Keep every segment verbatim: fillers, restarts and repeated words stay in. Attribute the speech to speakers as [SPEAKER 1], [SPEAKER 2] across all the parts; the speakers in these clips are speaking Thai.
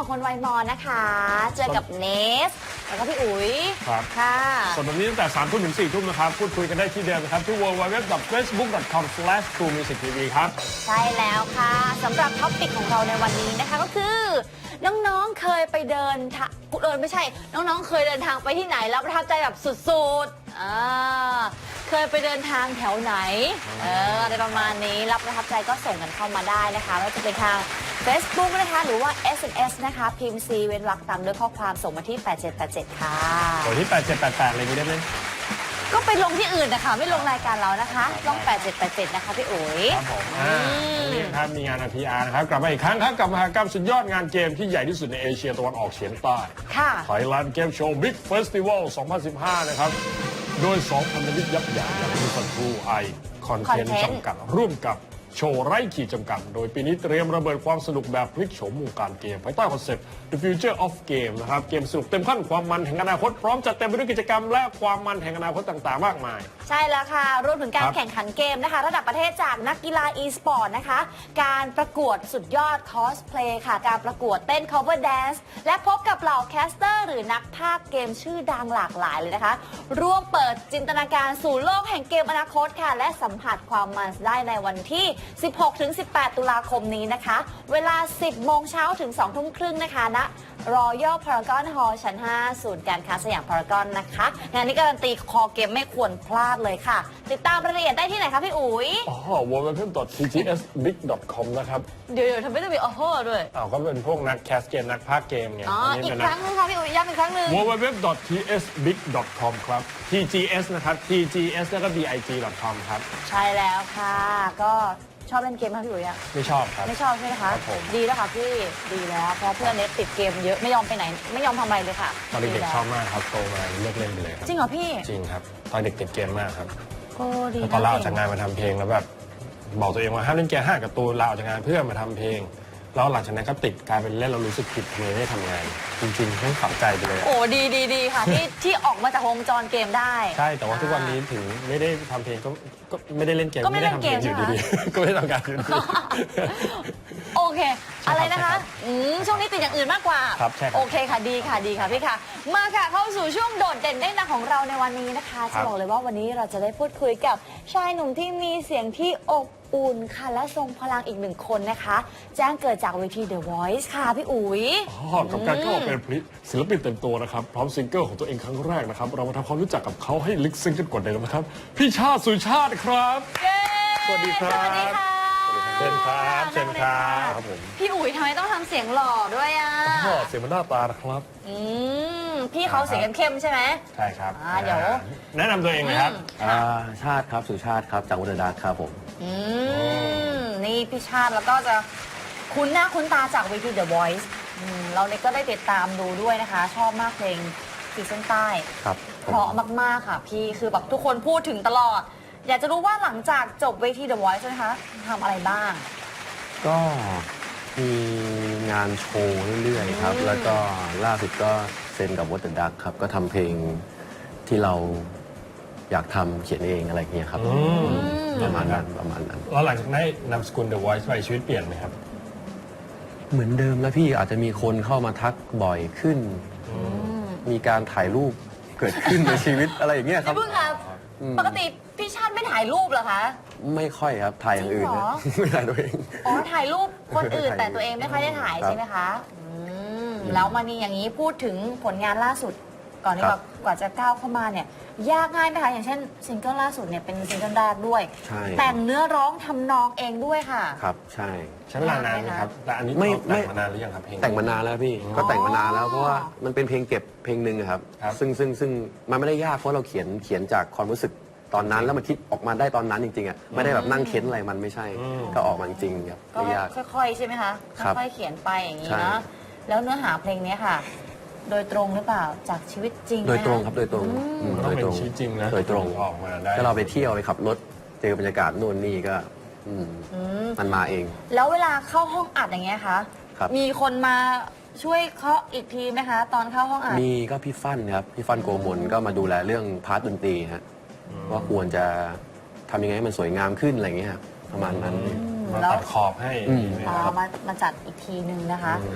[SPEAKER 1] องคนวัยมอนนะคะเจอกับเนสแล้วก็พี่อุ๋ย
[SPEAKER 2] ครับ
[SPEAKER 1] ค่ะ
[SPEAKER 2] ส่วนวันนี้ตั้งแต่สามทุ่มถึงสี่ทุ่มนะครับพูดคุยกันได้ที่เดิมนะครับที่ ดับเบิลยู ดับเบิลยู ดับเบิลยู ดอท เฟซบุ๊ก ดอท คอม สแลช ทรู มิวสิก ที วี ครับ
[SPEAKER 1] ใช่แล้วค่ะสำหรับท็อปปิกของเราในวันนี้นะคะก็คือ น้องๆเคยไปเดินทางเดินไม่ใช่ น้องๆเคยเดินทางไปที่ไหนแล้วประทับใจแบบสุดๆอ่าเคยไปเดินทางแถวไหนเอออะไรประมาณนี้รับประทับใจก็ส่งกันเข้ามาได้นะคะไม่ว่าจะเป็นทาง Facebook นะคะหรือว่า เอส เอ็ม เอส นะคะพิมพ์ C เว้นวรรคตามด้วยข้อความส่งมาที่แปดเจ็ดแปดเจ็ดค่ะ
[SPEAKER 2] โดยที่แปดเจ็ดแปดแปดอะไรอย่างนี้ได้ไหม
[SPEAKER 1] ก็ไปลงที่อื่นนะคะไม่ลงรายการเรานะคะลงแปดเจ็ดแปดเจ็ดนะคะพี่อุ๋ย
[SPEAKER 2] ครับผมอ่าวันนี้นะครับมีงาน พี อาร์ นะครับกลับมาอีกครั้งครับกับมหกรรมสุดยอดงานเกมที่ใหญ่ที่สุดในเอเชียตะวันออกเฉียงใต้
[SPEAKER 1] ค่ะ
[SPEAKER 2] Thailand Game Show Big Festival สองพันสิบห้า นะครับโดยสองพันธมิตรยักษ์ใหญ่อย่างมิสันทรูไอคอนเทนต์
[SPEAKER 1] Content
[SPEAKER 2] จำกัดร่วมกับโชว์ไร้ขีดจำกัด โดยปีนี้เตรียมระเบิดความสนุกแบบพลิกโฉมวงการเกมภายใต้คอนเซ็ปต์ The Future of Game นะครับเกมสนุกเต็มขั้นความมันแห่งอนาคตพร้อมจัดเต็มไปด้วยกิจกรรมและความมันแห่งอนาคตต่างๆ มากมาย
[SPEAKER 1] ใช่แล้วค่ะรวมถึงการ
[SPEAKER 2] ครับ
[SPEAKER 1] แข่งขันเกมนะคะระดับประเทศจากนักกีฬา e-sport นะคะ การประกวดสุดยอดคอสเพลย์ค่ะ การประกวดเต้น cover dance และพบกับเหล่าแคสเตอร์หรือนักพากย์เกมชื่อดังหลากหลายเลยนะคะ ร่วมเปิดจินตนาการสู่โลกแห่งเกมอนาคตค่ะ และสัมผัสความมันได้ในวันที่ สิบหกถึงสิบแปด ตุลาคมนี้นะคะ เวลา สิบโมงเช้าถึง สองทุ่มครึ่งนะคะณ Royal Paragon Hall ชั้น ห้า ศูนย์การค้าสยามพารากอนนะคะงานนี้การันตีคอเกมไม่ควรพลาดเลยค่ะ ติดตามรายละเอียดได้ที่ไหนคะพี่อุ๋ย
[SPEAKER 2] อ๋อ ดับเบิลยู ดับเบิลยู ดับเบิลยู ดอท ที จี เอส บิ๊ก ดอท คอม นะครับ
[SPEAKER 1] เดี๋ยวๆทำไมต้องมีออโต้ด้วย
[SPEAKER 2] อ้าวก็เป็นพวกนักแคสเกมนักพากย์เกมไง
[SPEAKER 1] อ๋อ
[SPEAKER 2] น
[SPEAKER 1] อี
[SPEAKER 2] นี้
[SPEAKER 1] ก
[SPEAKER 2] เป็น
[SPEAKER 1] ครั้งนึงค่ะพี่อุ๋ยย้ำอีกครั้งหนึ่ง
[SPEAKER 2] ดับเบิลยู ดับเบิลยู ดับเบิลยู ดอท ที เอส บิ๊ก ดอท คอม ครับ ที จี เอส นะครับ ที จี เอส แล้วก็ บี ไอ จี ดอท คอม ครับ
[SPEAKER 1] ใช่แล้วค่ะ ก็ชอบเล่นเกมไหมพี่อุ๋ยอะ
[SPEAKER 2] ไม่ชอบครับ
[SPEAKER 1] ไม่ชอบใช่ไหมคะ
[SPEAKER 2] ครับผม
[SPEAKER 1] ดีแล้วค่ะพี่ดีแล้วเพราะเพื่อนเน็ตติดเกมเยอะไม่ยอมไปไหน ไม่ยอมทำอะไรเลยค่ะ
[SPEAKER 2] ตอนเด็ก
[SPEAKER 1] ดีแล้ว
[SPEAKER 2] ๆชอบมากครับโตมาเลิกเล่นไปเลยครับ
[SPEAKER 1] จริงเหรอพี่
[SPEAKER 2] จริงครับ ตอนเด็กติดเกมมากครับ
[SPEAKER 1] โอ้ดี
[SPEAKER 2] แล้วพอลาออกจากงานมาทำเพลงแล้วแบบบอกตัวเองว่าห้ามเล่นเกมห้ามกับตูนลาออกจากงานเพื่อมาทำเพลง แล้วหลังจากนั้นก็ติดกลายเป็นเล่นเรารู้สึกผิดทำไมไม่ได้ทำงาน จริงๆให้ฝังใจไปเลยอะ
[SPEAKER 1] โอ้ดีดีดีค่ะที่ที่ออกมาจากวงจรเกมได้
[SPEAKER 2] ใช่แต่ว่าทุกวันนี้ถึงไม่ได้ทำเพลงก็ก็ไม่ได้เล่นเกม
[SPEAKER 1] ก็ไม่เล่นเกม
[SPEAKER 2] อยู่
[SPEAKER 1] ใช่ไหม
[SPEAKER 2] ดีๆ ก็ไม่ได้ทำงานอยู่ดี
[SPEAKER 1] โอเค
[SPEAKER 2] ใช่ครับ
[SPEAKER 1] อะไรนะคะ
[SPEAKER 2] ใช่ครับ
[SPEAKER 1] อืมช่วงนี้ติดอย่างอื่นมากกว่า
[SPEAKER 2] ครับใช่ครับ
[SPEAKER 1] โอเคค่ะดีค่ะดีค่ะพี่ค่ะ มาค่ะเข้าสู่ช่วงโดดเด่นได้ดังของเราในวันนี้นะคะ
[SPEAKER 2] ครั
[SPEAKER 1] จะ
[SPEAKER 2] บ
[SPEAKER 1] บอกเลยว่าวันนี้เราจะได้พูดคุยกับชายหนุ่มที่มีเสียงที่อบอุ่นค่ะและทรงพลังอีกหนึ่งคนนะคะ แจ้งเกิดจากเวที The Voice ค่ะพี่อุ๋ย
[SPEAKER 2] อ๋อกับการเข้ามาเป็นศิลปินเต็มตัวนะครับ พร้อมซิงเกิลของตัวเองครั้งแรกนะครับ เรามาทำความรู้จักกับเขาให้ลึกซึ้งกันกว่าเดิมนะครับ พี่ชาติสุชาติครับ
[SPEAKER 1] เย้
[SPEAKER 2] สวัสดีครับ
[SPEAKER 1] สวัสดีค่ะ
[SPEAKER 2] เชิญครับเชิญครับ
[SPEAKER 1] นั่งเลยะ
[SPEAKER 2] ครับผม
[SPEAKER 1] พี่อุ๋ยทำไมต้องทำเสียงหล่อด้วยอ่ะ
[SPEAKER 2] อ๋อเสียงมันหน้าตานะครับ
[SPEAKER 1] อืมพี่เขาเสียงเข้มๆใช่ไหม
[SPEAKER 2] ใช่ครับ
[SPEAKER 1] อ่าเดี๋ยว
[SPEAKER 2] แนะนำตัวเองเลยครับ
[SPEAKER 1] อืม
[SPEAKER 3] อ่าชาติครับสุชาติครับจากอุดรดาครับผม
[SPEAKER 1] อืมนี่พี่ชาติแล้วก็จะคุ้นหน้าคุ้นตาจากเวที The Voice อืมเราเนี่ยก็ได้ติดตามดูด้วยนะคะ ชอบมากเพลงขีดเส้นใต้
[SPEAKER 3] ครับ
[SPEAKER 1] เพราะมากๆค่ะพี่คือแบบทุกคนพูดถึงตลอด อยากจะรู้ว่าหลังจากจบเวที The Voice นะคะทำอะไรบ้าง
[SPEAKER 3] ก็มีงานโชว์เรื่อยๆครับ
[SPEAKER 1] อืม
[SPEAKER 3] แล้วก็ล่าสุดก็เซ็นกับวอเตอร์ดักครับ ก็ทำเพลงที่เราอยากทำเขียนเองอะไรอย่างเงี้ยครับ
[SPEAKER 2] อืม
[SPEAKER 3] ประมาณนั้นประมาณนั้น
[SPEAKER 2] แล้วหลังจากได้นำสกุล The Voice ไปชีวิตเปลี่ยนไหมครับ
[SPEAKER 3] เหมือนเดิมแล้วพี่อาจจะมีคนเข้ามาทักบ่อยขึ้น มีการถ่ายรูปเกิดขึ้นในชีวิตอะไรอย่างเงี้ยครั
[SPEAKER 1] พี่
[SPEAKER 3] บ
[SPEAKER 1] พึ่งครับ
[SPEAKER 3] อืม
[SPEAKER 1] ปกติพี่ชาติไม่ถ่ายรูปเหรอคะ
[SPEAKER 3] ไม่ค่อยครับถ่ายอย่างอื่น
[SPEAKER 1] จริงเหร
[SPEAKER 3] นะ
[SPEAKER 1] อ
[SPEAKER 3] ไม่ถ่ายตัวเอง
[SPEAKER 1] อ๋อถ่ายรูปคนอื่น
[SPEAKER 3] ถ่าย
[SPEAKER 1] แต่ตัวเองไม่ค่อยได้ถ่าย
[SPEAKER 3] ครับ
[SPEAKER 1] ใช่ไหมคะอืมแล้วมานี่อย่างนี้พูดถึงผลงานล่าสุด ก่อนที่
[SPEAKER 3] ค
[SPEAKER 1] แบ
[SPEAKER 3] รั
[SPEAKER 1] บบ กว่าจะก้าวเข้ามาเนี่ย ยากง่ายไหมคะอย่างเช่นซิงเกิลล่าสุดเนี่ยเป็นซิงเกิลแรกด้วย
[SPEAKER 3] ใช่
[SPEAKER 1] แต่งเนื้อร้องทำนองเองด้วยค่ะ
[SPEAKER 3] ครับใช่
[SPEAKER 2] ใช้เวลานานไหมครับ แต่อันนี้
[SPEAKER 3] ไม่
[SPEAKER 2] เราแต่ง
[SPEAKER 3] ไม่
[SPEAKER 2] มานานหรือยังครับเพลง
[SPEAKER 3] แต่งมานานแล้วพี่
[SPEAKER 2] อ๋อ
[SPEAKER 3] ก็แต่งมานานแล้วเพราะว่ามันเป็นเพลงเก็บเพลงหนึ่งอะครับ
[SPEAKER 2] ครับ
[SPEAKER 3] ซึ่งซึ่งซึ่งมันไม่ได้ยากเพราะเราเขียนเขียนจากความรู้สึกตอนนั้นแล้วมันคิดออกมาได้ตอนนั้นจริงๆอ่ะไม่ได้แบบนั่งเค้นอะไรมันไม่ใช่
[SPEAKER 2] อืม
[SPEAKER 3] ก็ออกมาจริงๆครับ
[SPEAKER 1] ก็
[SPEAKER 3] ไม่ยาก
[SPEAKER 1] ค่อยๆ ใช่ไหมคะ
[SPEAKER 3] ครับ
[SPEAKER 1] ค่อยๆเขียนไปอย่างนี้
[SPEAKER 3] ใช่
[SPEAKER 1] เนาะแล้วเนื้อหาเพลงเนี้ยค่ะ โดยตรงหรือเปล่าจากชีวิตจริง
[SPEAKER 3] โดยตรง
[SPEAKER 1] นะะ
[SPEAKER 3] ครับโดยตรงอืม
[SPEAKER 2] ต้
[SPEAKER 3] โด
[SPEAKER 2] อง
[SPEAKER 3] ย
[SPEAKER 2] เป็
[SPEAKER 3] ต
[SPEAKER 2] น
[SPEAKER 3] รง
[SPEAKER 2] ชีวิตจริงนะ
[SPEAKER 3] โดยตรง
[SPEAKER 2] ออกมาได้
[SPEAKER 3] ถ้าเราไปเที่ยวไปขับรถเจอบรรยากาศนู่นนี่ก็อืม
[SPEAKER 1] อืม
[SPEAKER 3] มันมาเอง
[SPEAKER 1] แล้วเวลาเข้าห้องอัดอย่างเงี้ยคะ
[SPEAKER 3] ครับ
[SPEAKER 1] มีคนมาช่วยเคาะอีกทีไหมคะ ตอนเข้าห้องอัด
[SPEAKER 3] มีก็พี่ฟั่นครับพี่ฟั่นโกมลก็มาดูแลเรื่องพาร์ทดนตรีฮะว่าควรจะทำยังไงให้มันสวยงามขึ้นอะไรอย่างเงี้ยครับประมาณนั้น
[SPEAKER 2] มา
[SPEAKER 1] แล้ว
[SPEAKER 2] ตัดขอบให้
[SPEAKER 3] อืม
[SPEAKER 2] ไหม
[SPEAKER 1] อ๋อ
[SPEAKER 2] ครับ
[SPEAKER 1] มามาจัดอีกทีหนึ่งนะคะ
[SPEAKER 3] ครับ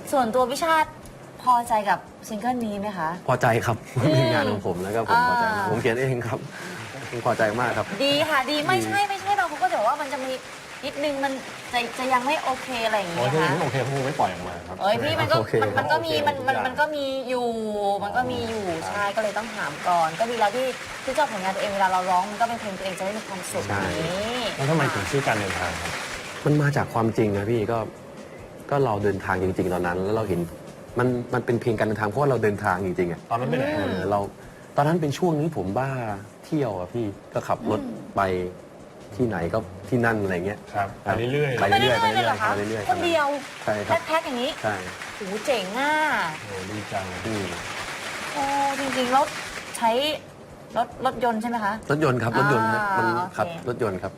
[SPEAKER 1] ส่วนตัวพี่ชาติพอใจกับซิงเกิลนี้ไหมคะ
[SPEAKER 3] พอใจครับเป็นงานของผมแล้วก็ผมพอใจมากผมเขียนเองครับผมพอใจมากครับ
[SPEAKER 1] ดีค่ะดีไม่ใช่ไม่ใช่เราก็จะบอกว่ามันจะมีนิดนึงมันจะจะยังไม่โอเคอะไรอย่าง
[SPEAKER 2] โอ้
[SPEAKER 1] เงี้
[SPEAKER 2] ย
[SPEAKER 1] ย
[SPEAKER 2] ถ้า
[SPEAKER 1] นะคะ
[SPEAKER 2] ไม่โอเคเขาคงไม่ปล่อยออกมาครับ
[SPEAKER 1] เอ้ยพี่มันก็
[SPEAKER 3] โอเค
[SPEAKER 1] มันมันก็มีมันมัน
[SPEAKER 2] โอเค
[SPEAKER 1] มันก็มีอยู่มันก็มีอยู่ใช่ก็เลยต้องถามก่อน ก็ดีแล้วที่ที่เจ้าผลงานตัวเองเวลาเราร้องมันก็เป็นเพลงตัวเองจะได้มีความสุขนี้
[SPEAKER 2] แล้วทำไมถึงชื่อการเดินทางครับ
[SPEAKER 3] มันมาจากความจริงนะพี่ก็ก็เราเดินทางจริง ๆ ตอนนั้น แล้วเราเห็นมันมันเป็นเพลงการเดินทางเพราะว่าเราเดินทางจริงๆอ่ะ
[SPEAKER 2] ตอนนั้นไปไหน
[SPEAKER 3] เออเราตอนนั้นเป็นช่วงนี้ผมบ้าเที่ยวอ่ะพี่ก็ขับรถไปที่ไหนก็ที่นั่นอะไรเงี้ย
[SPEAKER 2] ครับไปเรื่อยๆ
[SPEAKER 3] ไป
[SPEAKER 1] ไป
[SPEAKER 3] เรื่
[SPEAKER 1] เรื่
[SPEAKER 3] อ
[SPEAKER 1] อย ยๆเลยเหรอคะ
[SPEAKER 3] ไปเรื่อยๆ
[SPEAKER 1] คนเดียว
[SPEAKER 3] ใช่ครับ
[SPEAKER 1] แพ็คๆอย่างนี้
[SPEAKER 3] ใช่
[SPEAKER 1] โหเจ๋งอ่ะ
[SPEAKER 2] โอ้ดีจัง
[SPEAKER 3] อืม
[SPEAKER 1] โอ้จริงๆแล้วใช้รถรถยนต์ใช่ไหมคะ
[SPEAKER 3] รถยนต์ครับรถยนต์นะ
[SPEAKER 1] อ่า
[SPEAKER 3] มัน
[SPEAKER 1] โอเค
[SPEAKER 3] ขับรถยนต์ครับ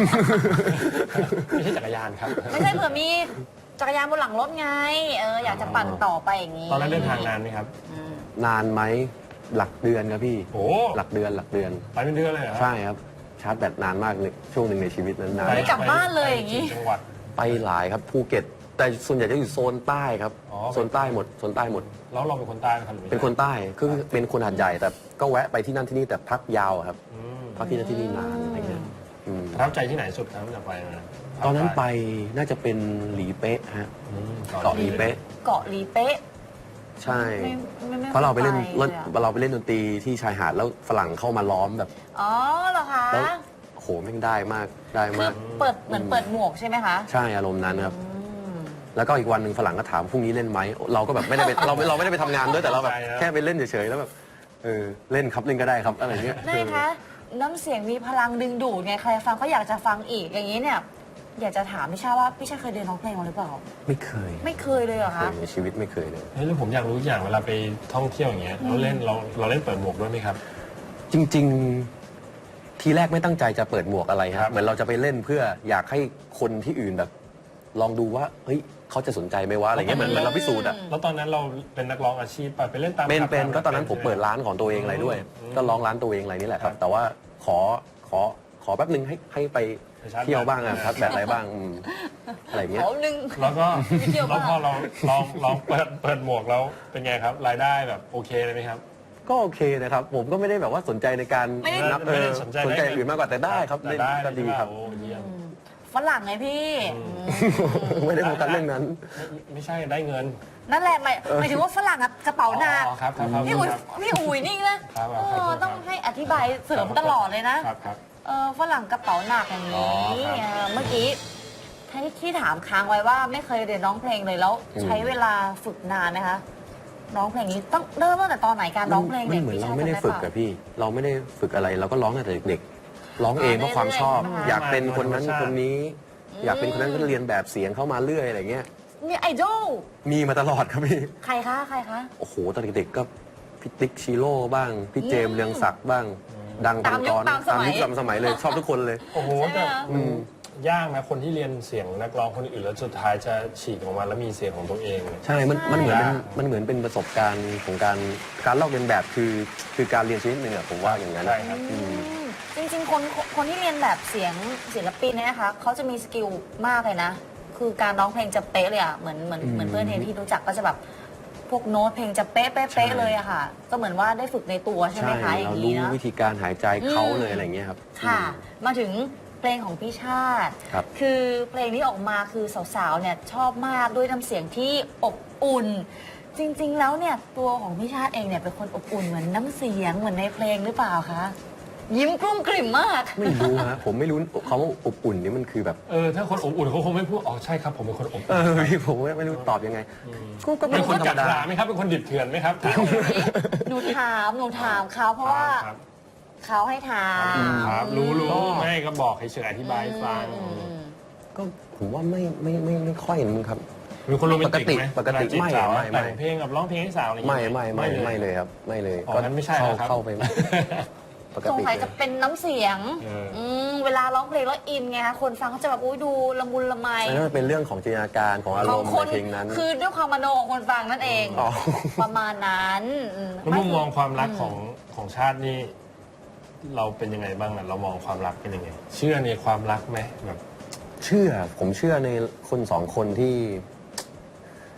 [SPEAKER 2] ไม่ใช่จักรยานครับ
[SPEAKER 1] ไม่ใช่เผื่อมีจักรยานบนหลังรถไงเอออยากจะปั่นต่อไปอย่างนี้
[SPEAKER 2] ตอนนั้นเดินทางนานไหมครับ
[SPEAKER 1] อืม
[SPEAKER 3] นานไหมหลักเดือนครับพี่
[SPEAKER 2] โอ้
[SPEAKER 3] หลักเดือนหลักเดือน
[SPEAKER 2] ไปเป็นเดือนเลยเหรอ
[SPEAKER 3] ใช่ครับชาร์จแบตนานมากเลยช่วงหนึ่งในชีวิตนั้นนาน
[SPEAKER 1] ไม่กลับบ้านเลยอย่างนี้
[SPEAKER 2] นี้จังหวัด
[SPEAKER 3] ไปหลายครับภูเก็ต แต่ส่วนใหญ่จะอยู่โซนใต้ครับ
[SPEAKER 2] อ๋อ
[SPEAKER 3] โซนใต้หมดโซนใต้หมด
[SPEAKER 2] แล้วเราเป็นคนใต้ไหมครับหรือไม่
[SPEAKER 3] เป็นคนใต้คือเป็นคนหาดใหญ่แต่ก็แวะไปที่นั่นที่นี่แต่พักยาวอะครับ
[SPEAKER 2] อืม
[SPEAKER 3] พักที่นั่นที่นี่นานอะไรเงี้ยอืม
[SPEAKER 2] ประทับใจที่ไหนสุดครับจะไปมา
[SPEAKER 3] ตอนนั้นไปน่าจะเป็นหลีเป๊ะฮะ
[SPEAKER 2] อืม
[SPEAKER 3] เกาะหลีเป๊ะ
[SPEAKER 1] เกาะลีเป๊ะ
[SPEAKER 3] ใช่
[SPEAKER 1] ไม่ไม่ไม่
[SPEAKER 3] เพราะเราไปเล่น
[SPEAKER 1] คย
[SPEAKER 3] เล่น
[SPEAKER 1] อะ
[SPEAKER 3] เราไปเล่นดนตรีที่ชายหาดแล้วฝรั่งเข้ามาล้อมแบบ
[SPEAKER 1] อ๋อเหรอคะ
[SPEAKER 3] แล้วโหแม่งได้มากได้
[SPEAKER 1] คื
[SPEAKER 3] มา
[SPEAKER 1] อก เปิดเหมือนเปิดหมวกใช่ไหมคะ
[SPEAKER 3] ใช่อารมณ์นั้นครับ
[SPEAKER 1] อืม
[SPEAKER 3] แล้วก็อีกวันหนึ่งฝรั่งก็ถามพรุ่งนี้เล่นไหมเราก็แบบไม่ได้ไปเราเราไม่ได้ไปทำงานด้วยแต่เราแบบแค่ไปเล่นเฉยๆแล้วแบบเออเล่นครับเล่นก็ได้ครับอะไรเงี้ย
[SPEAKER 1] ได้คะน้ำเสียงมีพลังดึงดูดไงใครฟังก็อยากจะฟังอีกอย่างนี้เนี่ย อยากจะถามพี่ชาว่าพี่ชาเคยเรียนร้องเพลงมาหรือเปล่า
[SPEAKER 3] ไม่เคย
[SPEAKER 1] ไม่เคยเลยเหรอ
[SPEAKER 3] เค
[SPEAKER 1] คะ
[SPEAKER 3] ยในชีวิตไม่เคยเลย
[SPEAKER 2] เฮ้ยแล้วผมอยากรู้อย่างเวลาไปท่องเที่ยวอย่างเงี้ยเราเล่นเราเราเล่นเปิดหมวกด้วยไหมครับ
[SPEAKER 3] จริงๆ ทีแรกไม่ตั้งใจจะเปิดหมวกอะไร
[SPEAKER 2] ครั
[SPEAKER 3] ฮะ
[SPEAKER 2] บ
[SPEAKER 3] เหมือนเราจะไปเล่นเพื่ออยากให้คนที่อื่นแบบ ลองดูว่าเฮ้ยเขาจะสนใจไหมวะอะไรเงี้ยเหมือนเหมือนเราพิสูจน์อ่ะ
[SPEAKER 2] แล้วตอนนั้นเราเป็นนักร้องอาชีพไปไปเล่นตาม
[SPEAKER 3] เป็น
[SPEAKER 2] ผับ
[SPEAKER 3] เป็น
[SPEAKER 2] ตาม
[SPEAKER 3] ก็ตอนนั้นผม
[SPEAKER 2] ใช่ไห
[SPEAKER 3] เปิดร้านของตัวเองอะไรด้วย
[SPEAKER 2] อืม
[SPEAKER 3] ก็ร้องร้านตัวเองอะไรนี่แหละครับ
[SPEAKER 2] ครับ
[SPEAKER 3] แต่ว่าขอขอขอแป๊บนึงให้ให้ไป
[SPEAKER 2] ไปชาร์จ
[SPEAKER 3] เที่ยวบ้าง
[SPEAKER 2] แบ
[SPEAKER 3] อะ
[SPEAKER 2] ต
[SPEAKER 3] ครับแบบอะไรบ้างอืมอะไรเงี้ย
[SPEAKER 1] เขาหนึ่ง
[SPEAKER 2] แล้วก็
[SPEAKER 1] ไปเที่ยว
[SPEAKER 2] แล้ว
[SPEAKER 1] บ้าง
[SPEAKER 2] พอเราลองลองเปิดเปิดหมวกแล้วเป็นไงครับ รายได้แบบโอเคเลยไหมครับ
[SPEAKER 3] ก็โอเคนะครับ ผมก็ไม่ได้แบบว่าสนใจในการ
[SPEAKER 1] ไม่ได้
[SPEAKER 3] นับเอ
[SPEAKER 2] ไม่ได้
[SPEAKER 3] อ
[SPEAKER 2] สนใจ
[SPEAKER 3] สนใจ
[SPEAKER 2] ได้เงิน
[SPEAKER 3] อื่นมากกว่าแต่ได้ครับ
[SPEAKER 2] แต่
[SPEAKER 3] เล่น
[SPEAKER 2] ได้
[SPEAKER 3] ก็ดีครับ
[SPEAKER 2] โอ้เยี่ยม
[SPEAKER 1] ฝรั่งไงพี่
[SPEAKER 2] อืม
[SPEAKER 1] อืม
[SPEAKER 3] ไม่ได้โฟกัสเรื่องนั้น
[SPEAKER 2] ไม่ไม่ใช่ได้เงิน
[SPEAKER 1] นั่นแหละหมายหมายถึงว่าฝรั่งอะกระเป๋าหนัก
[SPEAKER 2] อ๋อครับครับครับ
[SPEAKER 1] พี่อุ๋ย
[SPEAKER 2] ครับ
[SPEAKER 1] พี่อุ๋ยนี่นะครับ
[SPEAKER 2] ครับ
[SPEAKER 1] เอ
[SPEAKER 2] ครับ
[SPEAKER 1] อ
[SPEAKER 2] ครับ
[SPEAKER 1] ต้องให้อธิบายเสริมตลอดเลยนะ
[SPEAKER 2] ครับครับ
[SPEAKER 1] เออฝรั่งกระเป๋าหนักอย่าง
[SPEAKER 2] อ๋
[SPEAKER 1] นี้
[SPEAKER 2] อครับ
[SPEAKER 1] เออเมื่อกี้ที่ที่ถามค้างไว้ว่าไม่เคยเรียนร้องเพลงเลยแล้ว
[SPEAKER 3] อืม
[SPEAKER 1] ใช้เวลาฝึกนานไหมคะร้องเพลงนี้ต้องเริ่มตั้งแต่ตอนไหนการร้องเพลง
[SPEAKER 3] มัน
[SPEAKER 1] เนี่ย
[SPEAKER 3] เหมือน
[SPEAKER 1] พี่
[SPEAKER 3] เรา
[SPEAKER 1] ชา
[SPEAKER 3] ไม่ได้
[SPEAKER 1] จำ
[SPEAKER 3] ฝึก
[SPEAKER 1] เป
[SPEAKER 3] กั
[SPEAKER 1] ล่า
[SPEAKER 3] บพี่ เราไม่ได้ฝึกอะไรเราก็ร้องตั้งแต่เด็กๆร้องเองเพราะความชอบ
[SPEAKER 1] เรื่อยๆ
[SPEAKER 3] อยากเป็นคนนั้น
[SPEAKER 2] ธรรมชาติ
[SPEAKER 3] คนนี้
[SPEAKER 1] อืม
[SPEAKER 3] อยากเป็นคนนั้นก็เรียนแบบเสียงเข้ามาเรื่อยอะไรเงี้ย
[SPEAKER 1] มีไอดอล
[SPEAKER 3] มีมาตลอดครับพี่
[SPEAKER 1] ใครคะใครคะ
[SPEAKER 3] โอ้โหตอนเด็กๆก็พี่ติ๊กชิโร่บ้างพี่เจมส์
[SPEAKER 1] อืม
[SPEAKER 3] เรืองศักดิ์บ้าง ดัง
[SPEAKER 1] ตามยุค
[SPEAKER 3] พันกร
[SPEAKER 1] ตามสมัย
[SPEAKER 3] ยุคตามสมัยเลยชอบทุกคนเลย
[SPEAKER 2] โอ้โห
[SPEAKER 1] ใช่ไหม
[SPEAKER 2] แต่
[SPEAKER 1] คะ
[SPEAKER 2] มันยากนะคนที่เรียนเสียงนักร้องคนอื่นแล้วสุดท้ายจะฉีกออกมาแล้วมีเสียงของตัวเองเนี่ย
[SPEAKER 3] ใช่ มัน
[SPEAKER 1] ใช่
[SPEAKER 3] มันเหมือนเป็นมันเหมือนเป็นประสบการณ์ของการการลอกเลียนแบบคือคือการเรียนชนิดหนึ่งอะผมว่าอย่างนั้น
[SPEAKER 2] ใช่ครับ
[SPEAKER 3] อืม
[SPEAKER 1] อืมจริงๆคนคนที่เรียนแบบเสียงศิลปินเนี่ยนะคะเขาจะมีสกิลมากเลยนะ คือการร้องเพลงจะเป๊ะเลยอะเหมือนเหมือน
[SPEAKER 3] อืม
[SPEAKER 1] เหมือนเพื่อนเทนที่รู้จักก็จะแบบพวกโน้ตเพลงจะเป๊ะเป๊ะ
[SPEAKER 3] ใช่
[SPEAKER 1] เป๊ะเลยอะค่ะ ก็เหมือนว่าได้ฝึกในตัวใช่ไหมคะอ
[SPEAKER 3] เรา
[SPEAKER 1] ย่าง
[SPEAKER 3] รู้
[SPEAKER 1] นี้เนาะ
[SPEAKER 3] วิธีการหายใจเขา
[SPEAKER 1] อืม
[SPEAKER 3] เลยอะไรเงี้ยครับ
[SPEAKER 1] ค่ะ
[SPEAKER 3] อืม
[SPEAKER 1] มาถึงเพลงของพี่ชาติ
[SPEAKER 3] ครับ
[SPEAKER 1] คือเพลงนี้ออกมาคือสาวๆเนี่ยชอบมากด้วยน้ำเสียงที่อบอุ่น จริงๆแล้วเนี่ยตัวของพี่ชาติเองเนี่ยเป็นคนอบอุ่นเหมือนน้ำเสียงเหมือนในเพลงหรือเปล่าคะยิ้มกลุ้มกลิ่มมาก
[SPEAKER 3] ไม่รู้ฮะผมไม่รู้คำว่าอบอุ่นนี่มันคือแบบ
[SPEAKER 2] เออถ้าคนอบอุ่นเขาคงไม่พูดอ๋อใช่ครับผมเป็นคนอบอุ่น
[SPEAKER 3] เออพี่ผมไม่ไม่รู้ตอบยังไงก็ก็เป็
[SPEAKER 2] เป็น น
[SPEAKER 3] ค
[SPEAKER 2] คน น
[SPEAKER 3] ธร
[SPEAKER 2] กั
[SPEAKER 3] ร
[SPEAKER 2] ด
[SPEAKER 3] มดา
[SPEAKER 2] ขาไหมครับเป็นคนดิบเถื่อนไหมครับ
[SPEAKER 1] หนูถามหนูถามเขาเพราะว่า
[SPEAKER 2] ครับ
[SPEAKER 1] เขาให้ถาม
[SPEAKER 2] ครับรู้รู้ไม่ก็บอกเฉยๆอธิบายให้ฟัง
[SPEAKER 1] อืม
[SPEAKER 3] ก็ผมว่าไม่ไม่ไม่ไม่ค่อยมึงครับ
[SPEAKER 2] เป็นคนโรแมนติกไหม
[SPEAKER 3] ปกติ
[SPEAKER 2] เวลาจีบ
[SPEAKER 3] ไม่
[SPEAKER 2] สาว
[SPEAKER 3] ไม่ไม่
[SPEAKER 2] แต่งเพลงกับร้องเพลงให้สาวอะไรอย่าง
[SPEAKER 3] ไม่
[SPEAKER 2] เงี้ย
[SPEAKER 3] ไม่ไม่ไม่เลยครับ ไม่เลย
[SPEAKER 2] อ๋องั้นไม่ใช่
[SPEAKER 3] เข้า
[SPEAKER 2] แล้วครับ
[SPEAKER 3] เข้าไปปก
[SPEAKER 1] สง
[SPEAKER 3] ติ
[SPEAKER 1] สัย
[SPEAKER 3] เล
[SPEAKER 1] จะ
[SPEAKER 3] ย
[SPEAKER 1] เป็นน้ำเสียง
[SPEAKER 2] เอออื
[SPEAKER 1] มเวลาร้องเพลงแล้วอินไงคะคนฟังเขาจะแบบอุ้ยดูละมุนละไม
[SPEAKER 3] อันนั้นมันเป็นเรื่องของจินตนาการของอาร
[SPEAKER 1] ของ
[SPEAKER 3] มณ์
[SPEAKER 1] คน
[SPEAKER 3] ในเพลงนั้น
[SPEAKER 1] คือด้วยความมโนของคนฟังนั่นเอง
[SPEAKER 3] อ๋อ
[SPEAKER 1] ประมาณนั้นอืม
[SPEAKER 2] แล้วมุมมองความรัก
[SPEAKER 1] อืม
[SPEAKER 2] ของของชาตินี่เราเป็นยังไงบ้างอะเรามองความรักเป็นยังไง เชื่อในความรักไหมแบบ
[SPEAKER 3] เชื่อผมเชื่อในคนสองคนที่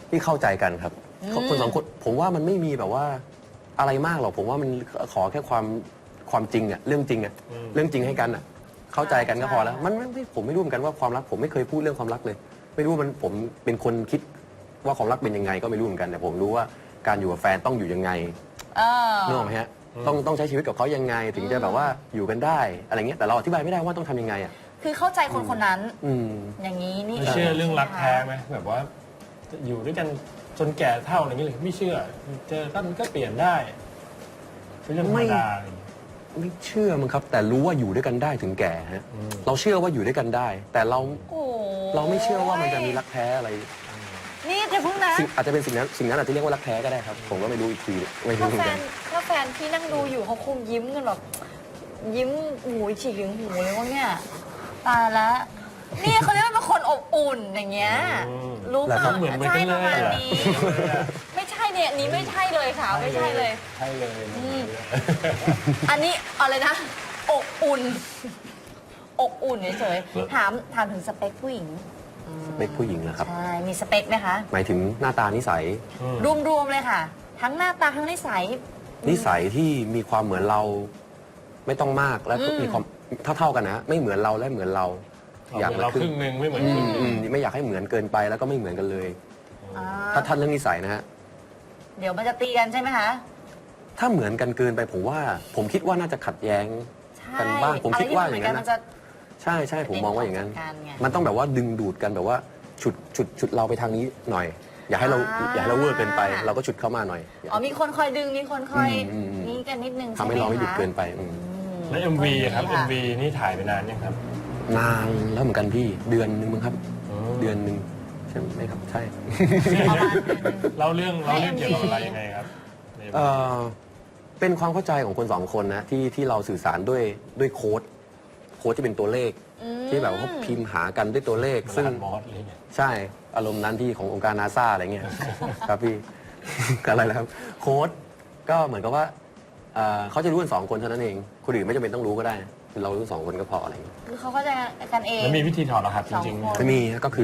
[SPEAKER 3] ที่เข้าใจกันครับ
[SPEAKER 1] อืม
[SPEAKER 3] คนสองคนผมว่ามันไม่มีแบบว่าอะไรมากหรอกผมว่ามันขอแค่ความความจริงอะเรื่องจริงอะเรื่องจริงให้กันอะเข้าใจกันก็พอแล้วมันไม่ผมไม่รู้เหมือนกันว่าความรักผมไม่เคยพูดเรื่องความรักเลย ไม่รู้ว่ามันผมเป็นคนคิดว่าความรักเป็นยังไงก็ไม่รู้เหมือนกันแต่ผมรู้ว่าการอยู่กับแฟนต้องอยู่ยังไง
[SPEAKER 1] เออ
[SPEAKER 3] นึกออกไหมฮะต้องต้องใช้ชีวิตกับเขายังไง ถึงจะแบบว่าอยู่กันได้อะไรเงี้ยแต่เราอธิบายไม่ได้ว่าต้องทำยังไงอ่ะ
[SPEAKER 1] คือเข้าใจคนคนนั้น
[SPEAKER 3] อืม
[SPEAKER 1] อย่างนี้นี่
[SPEAKER 2] ไม่เชื่อเรื่องรักแท้ไหมแบบว่าอยู่ด้วยกันจนแก่เท่าอะไรอย่างเงี้ยเลยไม่เชื่อเจอกันก็เปลี่ยนได้เป็นเรื่องธรรมดาอะไรอย่างเงี้ย
[SPEAKER 3] ไม่เชื่อมั้งครับ แต่รู้ว่าอยู่ด้วยกันได้ถึงแก่ฮะเราเชื่อว่าอยู่ด้วยกันได้ แต่เรา
[SPEAKER 1] โอ้
[SPEAKER 3] เราไม่เชื่อว่ามันจะมีรักแท้อะไร
[SPEAKER 1] นี่เดี๋ยวพึ่งนะ
[SPEAKER 3] สิ่งอาจจะเป็นสิ่งนั้นสิ่งนั้นอาจจะเรียกว่ารักแท้ก็ได้ครับ ผมก็ไม่รู้อีกทีไม่รู้
[SPEAKER 1] ถ้า
[SPEAKER 3] เหมือ
[SPEAKER 1] แฟ
[SPEAKER 3] นกัน น
[SPEAKER 1] ถ้าแฟนที่นั่งดูอยู่เขาคงยิ้มกันแบบยิ้มหูฉีกถึงหูเลยว่าเนี่ยตายแล้วนี่เขาเรียกว่าเป็นคนอบอุ่นอย่างเงี้ย
[SPEAKER 2] อืม
[SPEAKER 1] รู้ป่ะ
[SPEAKER 2] แล้วก็เหมือนเหมือน
[SPEAKER 1] ใช่
[SPEAKER 2] กัน
[SPEAKER 1] ป
[SPEAKER 2] เลย
[SPEAKER 1] ระมาณ
[SPEAKER 2] เหรอ
[SPEAKER 1] นี้ไม่ใช่เนี่ยอันนี้ไม่ใช่เลยค่ะไม่ใช่เลย
[SPEAKER 2] ใช่เลย
[SPEAKER 1] อืม อันนี้อะไรนะอบอุ่นอบอุ่นเฉยๆถามถามถึงสเปคผู้หญิง
[SPEAKER 3] เป็นผู้หญิงนะครับ
[SPEAKER 1] ใช่มีสเปคไหมคะ
[SPEAKER 3] หมายถึงหน้าตานิสัย
[SPEAKER 1] รวมๆเลยค่ะ ทั้งหน้าตาทั้งนิสัย
[SPEAKER 3] นิสัยที่มีความเหมือนเราไม่ต้องมากแล้วก็
[SPEAKER 1] อืม
[SPEAKER 3] มีความเท่าๆกันนะ ไม่เหมือนเราและเหมือนเรา
[SPEAKER 2] อยากเราครึ่งหนึ่งไม่เหมือน
[SPEAKER 3] อื
[SPEAKER 2] ครึ่
[SPEAKER 3] ม
[SPEAKER 2] งห
[SPEAKER 3] อื
[SPEAKER 2] นึ่ง
[SPEAKER 3] มไม่อยากให้เหมือนเกินไปแล้วก็ไม่เหมือนกันเลย
[SPEAKER 1] อ่า
[SPEAKER 3] ถ้าท่านเรื่องนิสัยนะฮะ
[SPEAKER 1] เดี๋ยวมันจะตีกันใช่ไหมคะ
[SPEAKER 3] ถ้าเหมือนกันเกินไปผมว่า ผมคิดว่าน่าจะขัดแย้ง
[SPEAKER 1] ใช่
[SPEAKER 3] กันบ้างผมคิดว่าอย่างนั้น
[SPEAKER 1] อะไร
[SPEAKER 3] นะ
[SPEAKER 1] ที่มัเหมืกัมัจะ
[SPEAKER 3] ใช่ใช่ผมมองว่าอย่างนั้น
[SPEAKER 1] เป็นของกันไง
[SPEAKER 3] มันต้องแบบว่าดึงดูดกันแบบว่าฉุดฉุดฉุดเราไปทางนี้หน่อย อย่าให้เรา
[SPEAKER 1] อ่า
[SPEAKER 3] อย่าให้เราเวอร์เกินไป เราก็ฉุดเข้ามาหน่อยอย่า
[SPEAKER 1] อ๋อมีคนคอยดึงมีคนคอย
[SPEAKER 3] อืมอืม
[SPEAKER 1] นี่กันนิดนึง
[SPEAKER 3] ทำให้เราไม่หยุดเกินไปอืม
[SPEAKER 2] แล้ว เอ็ม วี ครับ
[SPEAKER 1] ะ
[SPEAKER 2] เอ็ม วี นี่ถ่ายไปนานยังครับ
[SPEAKER 3] นานแล้วเหมือนกันพี่เดือนนึงมั้งครับ
[SPEAKER 2] อืม
[SPEAKER 3] เดือนหนึ่งใช่ไหมครับใช่
[SPEAKER 1] ประมาณเดือนหนึ่ง
[SPEAKER 2] เล่าเรื่องเล่าเรื่องเกี่ยวกับอะไรยังไงครับใน
[SPEAKER 3] เอ่อเป็นความเข้าใจของคนสองคนนะที่ที่เราสื่อสารด้วยด้วยโค้ดโค้ดที่เป็นตัวเลข
[SPEAKER 1] อืม
[SPEAKER 3] ที่แบบว่าเขาพิมพ์หากันด้วยตัวเลข
[SPEAKER 2] ซึ่
[SPEAKER 3] ซึ่
[SPEAKER 2] ง
[SPEAKER 3] ง
[SPEAKER 2] มอสอะไรเงี้ย
[SPEAKER 3] ใช่อารมณ์นั้นที่ขององค์การนาซาอะไรเงี้ย ครับพี่ อะไรนะครับโค้ดก็เหมือนกับว่าเอ่อเขาจะรู้กันสองคนเท่านั้นเองคนอื่นไม่จำเป็นต้องรู้ก็ได้เรารู้สองคนก็พออะไรเงี้ย
[SPEAKER 1] คือเขาเข้าใจกันเอง
[SPEAKER 2] แล้วมีวิธีถอดรหัสจริง
[SPEAKER 1] สองคน
[SPEAKER 3] ไม่มีฮะก็คือ